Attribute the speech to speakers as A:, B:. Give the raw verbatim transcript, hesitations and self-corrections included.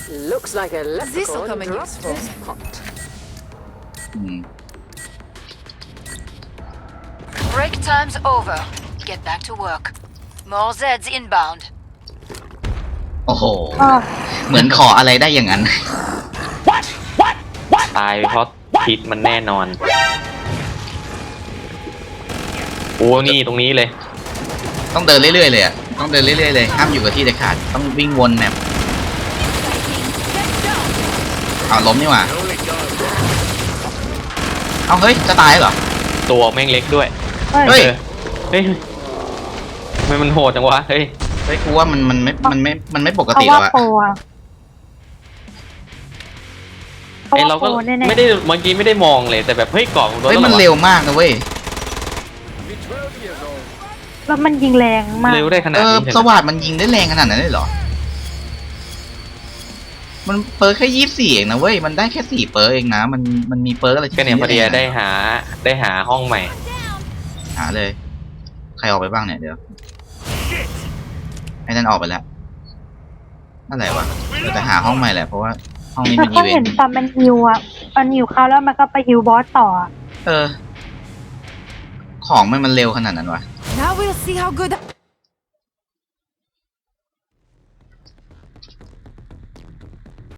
A: Looks like a
B: This'll come
A: leprechaun
B: in
A: dropped
B: useful.
A: his pot.
C: อืม
B: Break time's over. Get back to work. More Zeds inbound.
C: โอ้โห
D: อ้อ
C: เหมือนขออะไรได้อย่างนั้น
E: ตายเพราะพิษมันแน่นอนโอ้นี่ตรงนี้เลย
C: ต้องเดินเรื่อยๆเลยอ่ะ ต้องเดินเรื่อยๆเลย ห้ามอยู่กับที่เด็ดขาด ต้องวิ่งวนแมปเอาล้มนี่หว่า เอาเฮ้ย จะตายเหรอ
E: ตัวแม่งเล็กด้วย
D: เฮ้ย
C: เฮ้ย
E: เฮ้ยทำไมมันโหดจังวะเฮ้ย
C: เฮ้ยกูว่ามันมันไม่ มันไม่ มันไม่ปก
D: เขา
C: ติ
D: ว่า
C: แล้วอะ
D: โปรอะเขา
E: ไอ
D: ว่า
E: เรา
D: โป
E: ก็
D: รแน่ๆ
E: ไม่ได้เมื่อกี้ไม่ได้มองเลยแต่แบบเฮ้ยกรอบของตัว
C: เฮ้ย
E: เรา
C: มันเร็วมากนะเว้ย
D: แล้วมันยิงแรงมาก
E: เร็วได้ขนา
C: เอ
E: ด
C: อ
E: นี้
C: สวัสดมันยิงได้แรงขนาดนั้นเลยเหรอ มันเปิร์แค่ยี่สิบสี่เองนะเว้ย มันได้แค่สี่เปิร์เองนะ มัน มันมีเปิร์อะไรที่
E: ก็เนี่ยพอดี
C: แรงะ
E: ได้หาได้หาห้องใหม่
C: หาเลย ใครออกไปบ้างเนี่ยเดี๋ยว ไอ้นั่นออกไปแล้วนั่นแหละวะเราจะหาห้องใหม่แหละเพราะว่าห้องนี้
D: แต่
C: มันอี
D: เขา
C: เว
D: เห็
C: น
D: น
C: ต์
D: ตอนมันฮิวอ่ะมันฮิวเขาแล้วมันก็ไปฮิวบอสต่ออะ
C: เออ ของมันมันเร็วขนาดนั้นวะ
B: Now we'll see how good.